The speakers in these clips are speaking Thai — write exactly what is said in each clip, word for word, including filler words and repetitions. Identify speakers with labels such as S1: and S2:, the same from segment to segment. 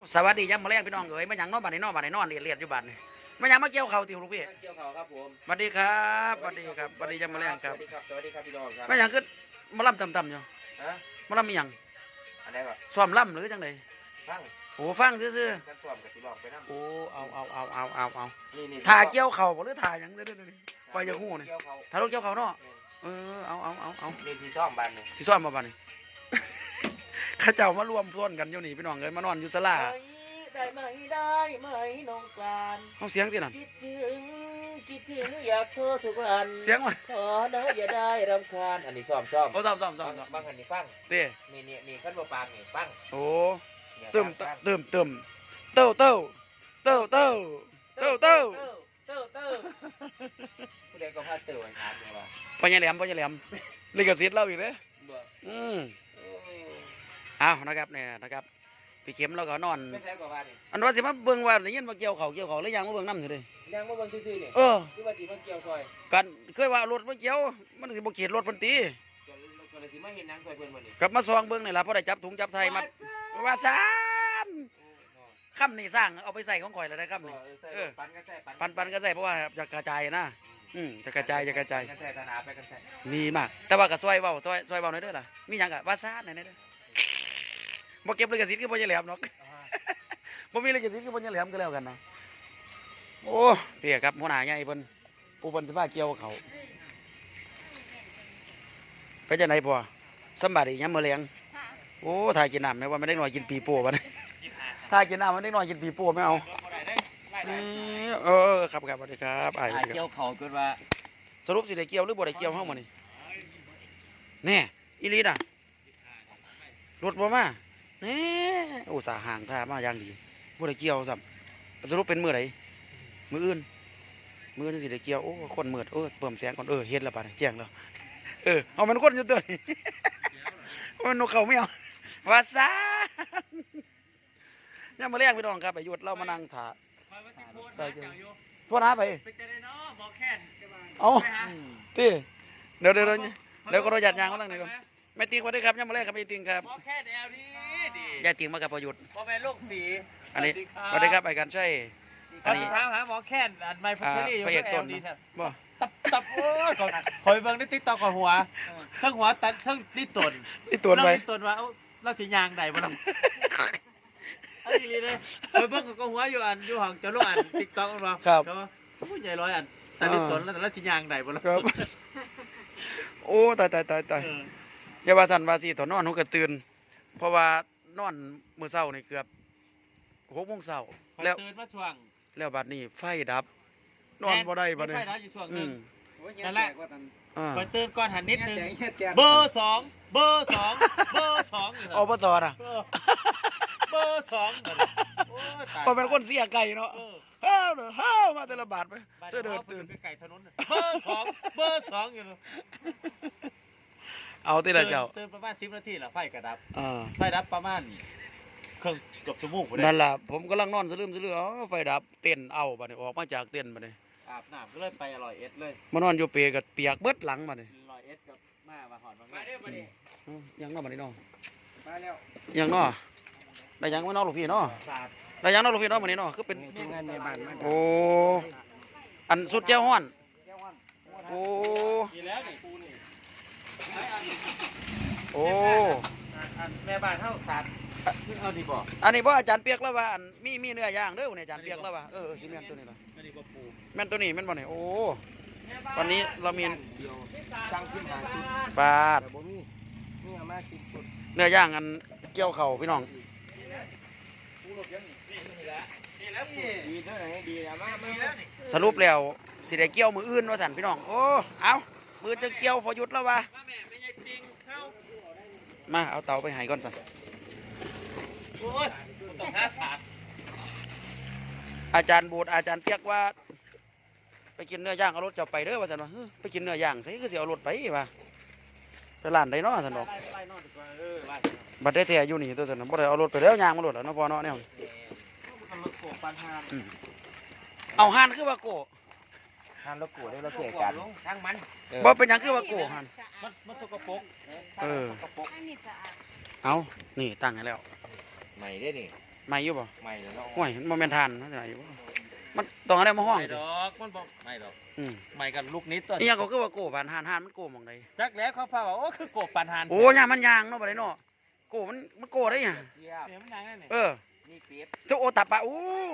S1: สวัสดีย้ำมาแรงพี่น้องเอ๋ยมาหยังนอนบ้านไหนนอนบ้านไหนนอนเรียนเรียนอยู่บ้านนี่มาหยังมาเกี่ยวเขาติวลูกพี่
S2: เกี่ยวเขาครับผม
S1: สวัสดีครับสวัสดีครับสวัสดีย้ำมาแรงครับ
S2: สวัสดีครับสวัสดีครับพี่น้องครับ
S1: มาหยังคือมาล่ำต่ำๆอยู่มาล่ำมีหยัง
S2: อะไรก่อน
S1: ซ้อมล่ำหรือจังได
S2: ฟัง
S1: โอ้ฟังซื่อ
S2: กันซ้อมกับที่บอกไปนั่ง
S1: โอ้เอาเอาเอาเอาเอาเอา
S2: นี่นี่
S1: ถ่าเกี่ยวเขาหรือถ่าหยังเด้อเด้อคอยจะหู้นี่
S2: เกี่ยวเขา
S1: ถ่ารถเกี่ยวเขาเนาะเออเอาเอาเอาเอา
S2: นี่ที่ซ้อมบ้านนี่
S1: สิซ้อมมาบ้านนี่ข้าเจ้ามารวมพวนกันอยู่นี่พี่น้องเอ้ยมานอนอยู่ศาลา
S2: ได้ไหมได้ไหมน้องกลาน
S1: เอาเสียงที่นั่น
S2: คิดถึงคิดถึงอยากโทรทุกวัน
S1: เสียงมัน
S2: ขอนะอย่าได้รำคาญอันนี้ซ้อมซ้อม
S1: เอาซ้อมซ้อมซ้อม
S2: บางอันนี้ฟัง
S1: เต้
S2: นี่นี่นี่ขั้นบ่ปางนี่ฟัง
S1: โอ้เติมเติมเติมเต้าเต้าเต้าเต้าเต้าเต้า
S2: เต้าเต้าผู้ใดก็พาเต้าอันถามอย่างว่า
S1: ปัญญาแหลมปัญญาแหลมลิขสิทธิ์เราอีกเลยอืมเอานะครับเนี่ยนะครับพี่เข็มเราก็นอนอันว่าสิมาเบิ่งว่าได้ยินมาเกี่ยวเขาเกี่ยวเขาแล้วยังมาเบิ่งน้ำอยู่เลย
S2: ยังมาเบิ่งซื่อๆนี่
S1: เออ
S2: คือว่าสิมาเกี่ยวซอย
S1: กันเคยว่ารถมาเกี่ยวมันสิบ่เกียดรถเพิ่นตี
S2: ก็เลยสิมาเห็นหนังซอยเพิ่นบ่นี่
S1: กลับมาซองเบิ่งนี่ล่ะพอได้จับถุงจับไทยมาว่าซานค่ำนี่สร้างเอาไปใส่ของข่อยแล้วได้ค่ำนี่เออปันกันใส่ปันปันกันใส่เพราะว่าจะกระจายนะอืมจะกระจายจะกระจาย
S2: กันใส่ตนาไปกันใส่
S1: มีมากแต่ว่าก็ซอยเว้าซอยซอยเว้าหน่อยเด้อล่ะมีหยังก็ว่าซานหน่อยเด้อบ่เก็บลิขสิทธิ์คือบ่ใช่แหลมเนาะบ่มีลิขสิทธิ์คือบ่ใช่แหลมก็แล้วกันนะโอ้เพี่ครับหัวหน้าใหญ่เพิ่นผู้เพิ่นสิพาเกี่ยวเขาไปจังได๋พ่อสำบายดียามมื้อแลงโอ้ถ้ากินน้ำแม่ว่ามันได้น้อยกินปีโป้บัดนี้ถ้ากินน้ำมันได้น้อยกินปีโป้ไม่เอาเออครับครับสวัสดีครับอ้าย
S2: เกี่ยวเขาเกิดว่า
S1: สรุปสิได้เกี่ยวหรือบ่ได้เกี่ยวเฮามื้อนี้แน่อีหลีน่ะรถบ่มาแน่อุตส่าห์ห่างท่ามาอย่างดีบ่ได้เกี่ยวซ้ำสรุปเป็นมื้อใดมื้ออื่นมื้ออื่นสิได้เกี่ยวโอ้คนมืดเออเพิ่มแสงก่อนเออเฮ็ดแล้วบัดนี้แจ้งแล้วเออเอามันคนอยู่ตัวนี้มันนกเขาไม่เอาว่าซ่าเนี่ยมาเรียกพี่น้องครับไปหยุดเรามานั่งถ่าพวกน้าไปเอาตีเดี๋ยวเดี๋ยวเดี๋ยวก็เราหยัดยางมาตั้งไหนก่อนแม่ติงสวัสดีครับเนี่ยมาเรียกครับแม่ติงครับ
S2: หมอแค่แนวนี้ดี
S1: ยายติงมากับประยุทธ์
S2: พ่อแม่ลูกสี
S1: อันนี้สวัสดีครับไปกันใช่
S2: อันนี้ถามหาหมอแค่อันไม่พัชรีอยู่
S1: กับแอลดี
S2: บ่ตับตับโอ้ยคอยเบิ่งในติ๊กต็อกกับหัวทั้งหัวตัดทั้งนี่ตน
S1: นี่ตนไป
S2: นี่ตนว่าเราจะยางใดบ่ล่ะอันนี้เลยคอยเบิ่งกับหัวอยู่อันอยู่ห้องเจ้าลูกอันติ๊กต็อกบ่
S1: ครับ
S2: ผู้ใหญ่ร้อยอันตัดนี่ตนแล้วแต่ละสิยางใดบ่ล่ะ
S1: ครับโอ้ตายตายตายตายอย่าว่าสั่นว่าสิตอนนอนหนูก็ตื่นเพราะว่านอนมื้อเช้านี่เกือบหกโมงเช้าแล้ว
S2: ตื่นมาช่วง
S1: แล้วบัดนี้ไฟดับนอนบ่ได้บัดนี้
S2: ไฟดับอยู่ช่วงนึงนั่นแหละคอยตื่นก่อนหันนิดนึงเบอร์สองเบอร์สองเบอร์สอง
S1: อบตน่ะ
S2: เบอร์สอง
S1: พอเป็นคนเสียไก่เนาะฮ้าวเด้อฮ้าวมาแต่ละบาทไปเสื้อเดินตื่น
S2: ไก่ถนนเบอร์สองเบอร์สองอยู่
S1: เอาที่ละเจ้า
S2: ตื่นประมาณสิบนาทีแล้วไฟกระดับไฟดับประมาณครึ่งเกือบชั่วโมง
S1: นั่นล่ะผมกำลังนอนสลืมสลืออ๋อไฟดับเต้นเอาบัดนี้ออกมาจากเต้นบัดนี้
S2: อาบน้ำก็เลยไปอร่อยเอสเลย
S1: มานอนอยู่เปรกับเปียกเบิดหลังบัดนี้
S2: อร่อยเอสกับมามาหอดบางมาเด้อบัดนี้
S1: ยังนอบัดนี้เนาะ
S2: มาแล้ว
S1: ยังนอได้ยังไม่นอลูกพี่เนาะได้ยังนอลูกพี่เนาะบัดนี้เนาะคือเป็น
S2: งานในบ้าน
S1: โอ้อันสุดเจ้าฮ้อนโอ้โอ้
S2: แม่บ้านเท่าสามเอาดีบ่
S1: อันนี้บ่อาจารย์เปียกแล้วว่าอันมีมีเนื้อย่างเด้อเนี่ยอาจารย์เปียกแล้วว่าเออซีเมนต์ตัวนี้ล่ะแม่นตัวนี้แม่นบ่เนี่ยโอ้ตอนนี้เรามี
S2: สั่งสิบห้าชุด
S1: บาท
S2: นี่เอามาสิบชุด
S1: เนื้อย่างอันเกี่ยวเข่าพี่น้องสรุปแล้วสิได้เกี่ยวมืออื่นว่าสั่นพี่น้องโอ้เอามือจะเกี่ยวพอหยุดแล้ววะมาเอาเตาไปให้ก่อนสั่นอาจารย์บูดอาจารย์เปียกว่าไปกินเนื้อย่างเอารถจะไปเด้อว่าสั่นว่าไปกินเนื้อย่างใส่ก็สิเอารถไปว่าไปร้านใดเนาะสั่นดอกบัดได้แท้อยู่นี่ตัวสั่นบ่ได้เอารถไปแล้วย่างมารถแล้วเนาะพอเนาะแนวเอาห่านคือว่าโก
S2: ห่านแล้วโกได้แล้วเกะกันทั้งมัน
S1: บ่เป็นหยังคือว่าโกห่าน
S2: มันมันสกปรก
S1: เออเอานี่ตั้งให้แล้ว
S2: ใหม่ได้นี่
S1: อไม่อยู่บ่
S2: ไม่แล้วเนาะ
S1: ห่วยมันบ่แม่นทานมันไหนบ่มันต้องอะไรมาห้อง
S2: ไม่ดอกมันบอกไม่ดอก
S1: อืม
S2: ไม่กันลูกนิดตัว
S1: อีหยังก็คือว่าโกบานหานหานมันโกหม่องใด
S2: จักแล้วเขาพาว่าโอ้คือโกบปันหัน
S1: โอ้ยามมันยางเนาะบ่ได้เนาะโกมันมันโกได้หยัง
S2: เสียมันยังไงเนี่ย
S1: เออ
S2: นี่เป็ด
S1: เจ้าโอตับปะอู้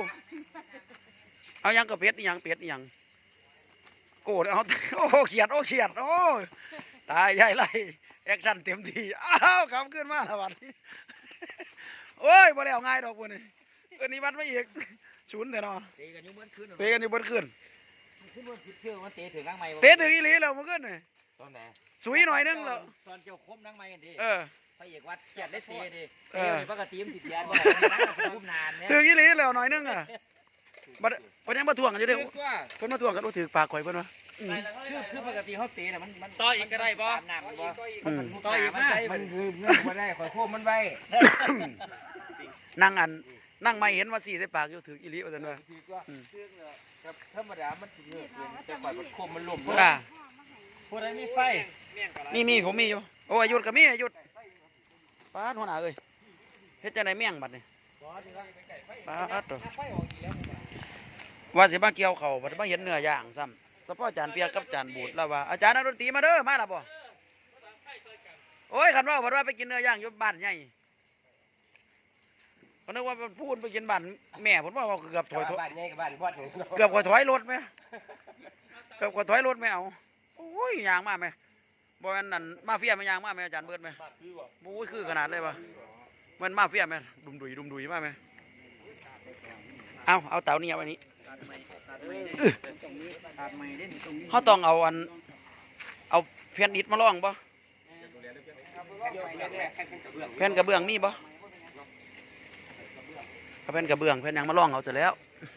S1: เอาหยังก็เป็ดอีหยังเป็ดอีหยังโกดเอาโอ้เขียดโอ้เขียดโอ้ตายใหญ่ไรแอคชั่นเต็มที่อ้าวคำขึ้นมาละวันนี้โอ้ยบ่แล้วง่ายดอกพวกนี้เอิ้นนี้วัดมาอีกศูนย์เด้อเนาะ
S2: เตะกันอยู่เมื่อคืน
S1: เตะกันอยู่เบนขึ้น
S2: ขึ้นบนผิดเชื่อมันเตะถึงนั่งไม้
S1: เตะถึงอีหลีแล้วเมื่อคืนนี่
S2: ตอนไหน
S1: สุยหน่อยนึงแล้ว
S2: ตอนเกี่ยวคมนั่งไม้กันดิ
S1: เออ
S2: พระเอกวัดเกียรติได้เตะดิ
S1: เอ
S2: เตะ
S1: อ
S2: ในปกติมันติดแยนบ่ได้นั่งกับคุ้มนานเนี่ย
S1: ถึงอีหลีแล้วหน่อยนึงอ่ะบัดเพิ่นยังมาทวงกันอยู่เด้อ
S2: คือว่า
S1: เพิ่นมาทวงกันว่าถือปากข่อยเพิ่นว่าอืม
S2: คือคือปกติเขาเตะน่ะมันมัน
S3: ต่ออีกก็ได้บ่
S2: ตามน้ำมันบ่
S1: อืม
S2: ต่ออีกมันใช้มั
S3: มัน นคือเงื่อนมาได้คอยโค้มมันไว้
S1: นั่งอันนั่งไม่เห็นว่าสี่ใส่ปากอยู่ถืออีหลีว่าซั่นว่า
S2: คือก็เชื่องเลยครับธรรมดามันสิเงื่อนเกินแต่ก่อนมันคมมันหล่ม
S1: อ่า
S2: ผู้ใดมีไฟ
S1: นี่มีผมมีอยู่โอ้อายุดก็มีอายุดป้าดหัวหน้าเอ้ยเฮ็ดจังได๋เมี่ยงบัดนี่ป้าดตัวว่าสิมาเกี่ยวข้าวบัดมาเห็นเนื้อย่างซ้ำเฉพาะอาจารย์เปียกกับอาจารย์บูดแล้วว่าอาจารย์นักดนตรีมาเด้อมาล่ะบ่โอ้ยคันว่าบัดว่าไปกินเนื้อย่างอยู่บ้านใหญ่เขานึกว่าพูดไปกินบ้านแม่ผมว่าเกือบถอย
S3: บ้านใหญ่กับบ้านพอดหนึ่ง
S1: เกือบกว่าถอยรถไหมเกือบกว่าถอยรถไหมเอาโอ้ยยางมาไหมบ่แม่นนั่นมาเฟียมันยางมาไหมอาจารย์เบิดไหมโอ้ยคือขนาดเลยปะมันมาเฟียไหมดุมดุยดุมดุยมาไหมเอาเอาเต่านี่เอาไว้นี้เขาต้องเอาอันเอาแผ่นอิฐมาล่องบ่แผ่นกระเบื้องมีบ่เอาแผ่นกระเบื้องแผ่นหยังมาล่องเอาเสร็จแล้ว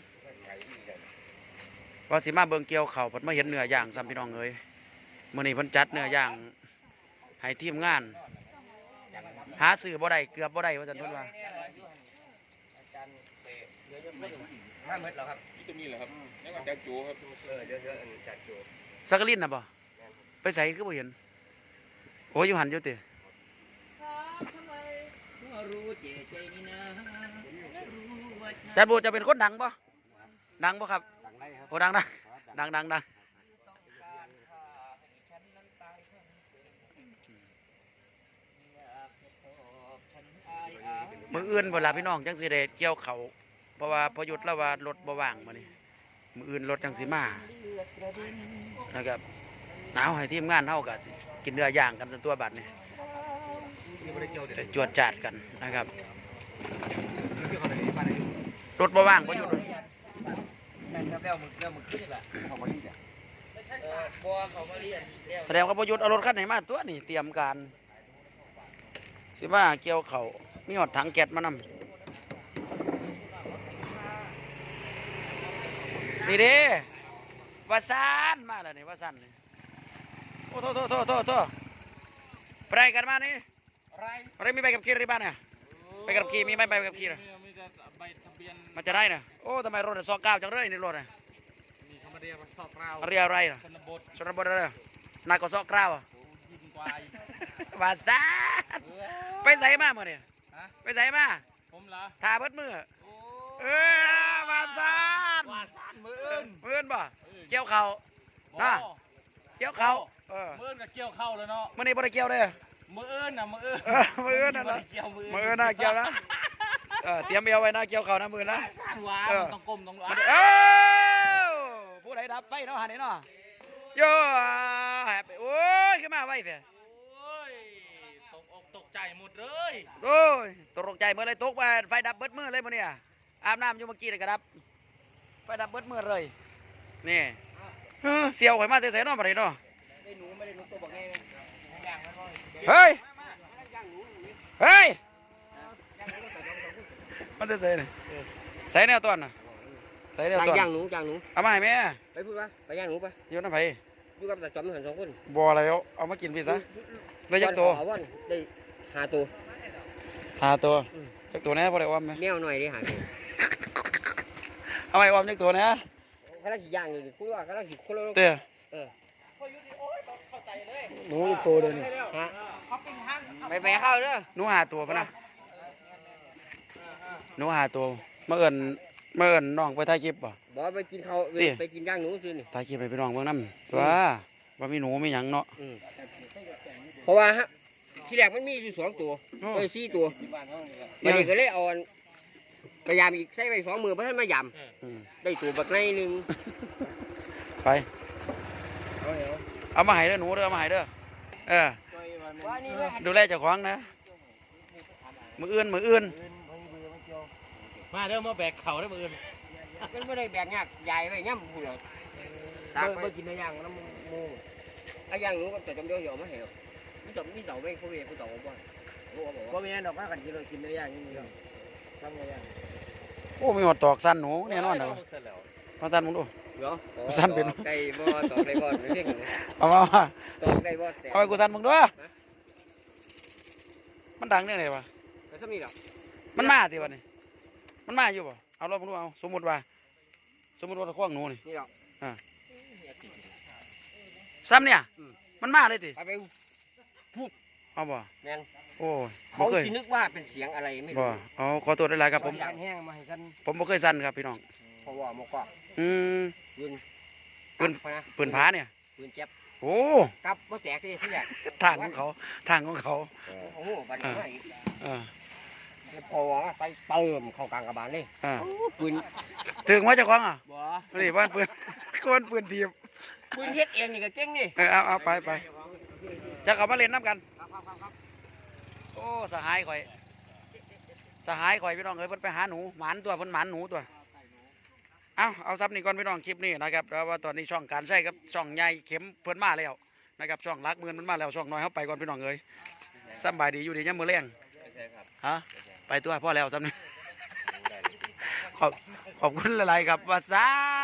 S1: ว่าสิมาเบิ่งเกี่ยวเข่าวเพิ่นมาเห็นเนื้อย่างซ้ำพี่น้องเอ้ยมื้อนี้เพิ่นจัดเนื้อย่างให้ทีมงาน หาซื้อบ่ได้เกือบบ่ได้ว่าซั่นเพิ่นว่า
S3: ห้าเมตรแล้วครับ
S4: นี่จะมีเหรอครับนี่ว่าจะจูครับ
S3: เออเยอะๆจัดอยู่
S1: สักกะลินน่ะบ่ไปใส่คือบ่เห็นโอ้ยอยู่หันอยู่ติ
S2: รู้เจใจนี่นะรู้ว่า
S1: อาจารย์บูจะเป็นคนดังบ่ดังบ่ครับ
S3: ดังได้ครับ
S1: โอ้ดังนะดังดังดังมื้ออื่นเวลาพี่น้องจังสิได้เกี่ยวเขาวเพราะว่าพอหยุดแล้วว่ารถบ่ว่างมื้อนี้มื้ออื่นรถจังสิมานะครับเอาให้ทีมงานเฮาก็สิกินเนื้อย่างกันซะตัวบัดนี้ได้จวดจาดกันนะครับรถบ่ว่างบ่หยุดเลย
S2: แม่นครับแล้วมึงแล้วมึงขึ้นนี่แหละของมันนี่แหละเออบัวเขามาเรียนแล้ว
S1: แสดงว่าประยุทธ์เอารถคันไหนมาตัวนี่เตรียมการสิว่าเกี่ยวเขามีหอดถังแก๊สมานำนี่เด้วาซานมาแล้วนี่วาซานนี่โอ้โทษโทษโทษโทษโทษไปไหนกันมานี่
S2: อะไร
S1: อะไรมีใบขับขี่หรือเปล่าเนี่ยใบขับขี่มีไหมใบขับขี่น่ะ
S4: มีแต่ใบทะเบียน
S1: มันจะได้น่ะโอ้ทำไมรถสองเก้าจังเลยนี่รถน่ะ
S4: มีเขามาเรียกว่าสอบเรา
S1: เรียอะไรน่ะ
S4: ชนบท
S1: ชนบทอะไรนายก็สอกกล้าวอ่ะ
S4: ยิงควายว
S1: าซานไปใส่มาเมื่อนี่
S4: ฮะ
S1: ไปใส่มา
S4: ผมเหรอ
S1: ทาเบิดมือ
S4: โอ้
S1: เออวาซาน
S4: ว่าสั้นมืออื่น
S1: มืออื่นบ่เกี่ยวเข่า น่ะ เกี่ยวเข่าเออ
S4: มืออื่นกับเกี่ยวเข้าแล้วเนาะ
S1: มื่อนี้บ่ได้เกี่ยวเด้อ
S4: มืออื่นน่ะมืออื่น
S1: เออมืออื่นน่ะ
S4: บ่
S1: นะ
S4: ได้เกี่ยวมืออื่น
S1: มืออื่นน่ะเกี่ยวนะเออเตรียมเอวไว้นะเกี่ยวเข่านะมือนะ
S4: สั้นหวา
S1: เออ
S4: มันต้องก้มต้อง
S1: มัน
S4: อ้า
S1: เอ้าผู้ใดดับไฟเนาะหันนี่เนาะโย่แฮปปี้โอ้ยขึ้นมาไว้เถอะ
S4: โอ้ยตกอกตกใจหมดเลย
S1: โอ้ยตกใจเมื่อไรตกไปไฟดับเบิดมือเลยมื้อนี้อาบน้ำอยู่เมื่อกี้เลยก็ดับไฟดับเบิดมือเลยนี่เออเสียวข่อยมาแต่ไสเนาะบัดนี้เนาะ
S2: ได้หนูไม่ได้หนูตัวบอกไง
S1: เฮ้ย เฮ้ย มันจะใส่นี่ใส่แนวต้นน่ะใส่แนวต้น
S3: ย่างหนูย่างหนู
S1: เอามาให้แม่
S3: ไปพูดว่าไปย่างหนูไป
S1: โยนน้ำไผ่
S3: อยู่กับตาจอมหันสองคน
S1: บ่อะไรเอาเอามากินพี่ซะได้จักตัว
S3: วันได้หาตัว
S1: หาตัวจักตัวแน่บ่ได้อ้อมไหม
S3: แมวหน่อยได้หาตัว
S1: เอาไว้อ้อมจักตัวแน่
S3: เขาลังขี่ย่างอยู่คุณว่าเขาลังขี่คนละ
S1: เต้อ
S3: เออ
S1: หนูอีกตัวเดียวนี่
S3: ฮะไปไปเข้าเด้อ
S1: หนูหาตัวปะนะหนูหาตัวมาเอิ้นมาเอิ้นน้องไปถ่ายคลิปบ่
S3: บอกไปกินข้าว
S1: ติ
S3: ไปกินย่างหนูซื้อนี่
S1: ถ่ายคลิปให้พี่น้องเบิ่งนำตัวว่ามีหนูมีหยังเนาะ
S3: อืมเพราะว่าฮะที่แรกมันมีอยู่สองตัว
S1: โอ้
S3: เอ้ยสี่ตัวมันนี่ก็เลยเอาอันพยายามอีกใส่ไปสองมือเพราะท่านมาย
S1: อืม
S3: ำได้ตัวบักในหนึ่ง
S1: ไปเอามาให้เด้อหนูเด้อเอามาให้เด้อเออ
S3: ว่านี่ด้วย
S1: ดูแลเจ้าของนะมืออื่นมืออื่น
S2: มาเด้อมาแบกเข่าได้อมื้ออื่น
S3: มันไม่ได้แบกยากใหญ่ไปย่ำพูดเลยตากไปกินในย่างน้ำมูไอ้ย่างหนูก็จะจำเดียวเดียวไม่เห็นมีต่อมีต่อไม่เขาเวียเขาต่อบ่อยเขาบอก
S2: บ่
S3: ว่า
S2: มีอันดอกว่ากันกินเลยกินเนื้อย่างนี่ครับทำไงย่าง
S1: โอ้มีหอดตอกสั้นหนูแน่นอนเด้อมาสั้นมึงดู
S3: เนาะ
S1: สั้นเป็น
S3: ไก่บ่ต่อไก่บ่ไม่เพ่ง
S1: เอามามา
S3: ต่อไก่บ่แต่
S1: เอาไปกูสั้นมึงด้วยมันดังเนี่ยไงวะ
S3: ก็จะมีหรอ
S1: มันมาติวะนี่มันมาอยู่ป่ะเอาลองมึงดูเอาสมมติว่าสมมติว่าตะขวางหนูนี่
S3: นี่หรอ
S1: ซ้ำเนี่ยมันมาเลยติ
S3: ไปไป
S1: เอาบ่
S3: แมน
S1: โอ้ยบ่
S3: เขา
S1: เคย
S3: คิดนึกว่าเป็นเสียงอะไรไม่
S1: บ่
S3: รู้
S1: เอาขอตัวได้หลายครับผม
S2: การแห้งมาให้กัน
S1: ผมบ่เคยสั้นครับพี่น้อง
S3: เพราะว่ามันก็
S1: อืม
S3: ปืน
S1: ปืน
S3: นะ
S1: ปืนผาเนี่ย
S3: ปืนเจ็บ
S1: โอ้
S3: กับบ่แตกที่ที่แรก
S1: ทางของเขาทางของเขา
S3: โอ้โหบัดนี้มาอีก
S1: เออ
S3: พอว่าใส่เติมเข้ากลางกระบาลเลย
S1: เออ
S3: ปืน
S1: ถึงว่าเจะคล้าของอ่ะ
S2: บ่
S1: นี่บ้านปืน ก้นปืนทีบ
S3: ปืนเฮ็ดเองนี่ก็เก่งนี่
S1: เออเอาเอาไปไปจะเขามาเล่นน้ำกัน
S3: ครับครับครับครับ
S1: โอ้สหายข่อยสหายข่อยพี่น้องเอ้ยเพิ่นไปหาหนูหมานตัวเพิ่นหมานหนูตัวเอาเอาซับนี่ก่อนพี่น้องคลิปนี้นะครับแล้วว่าตอนนี้ช่องการใช้กับช่องใหญ่เข็มเพิ่นมาแล้วนะครับช่องรักเมือนมันมาแล้วช่องน้อยเขาไปก่อนพี่น้องเอ้ยสำบายดีอยู่ดียังมือแรงฮะไปตัวพ่อแล้วซับนี่ขอบขอบคุณหลายๆครับว่าซาน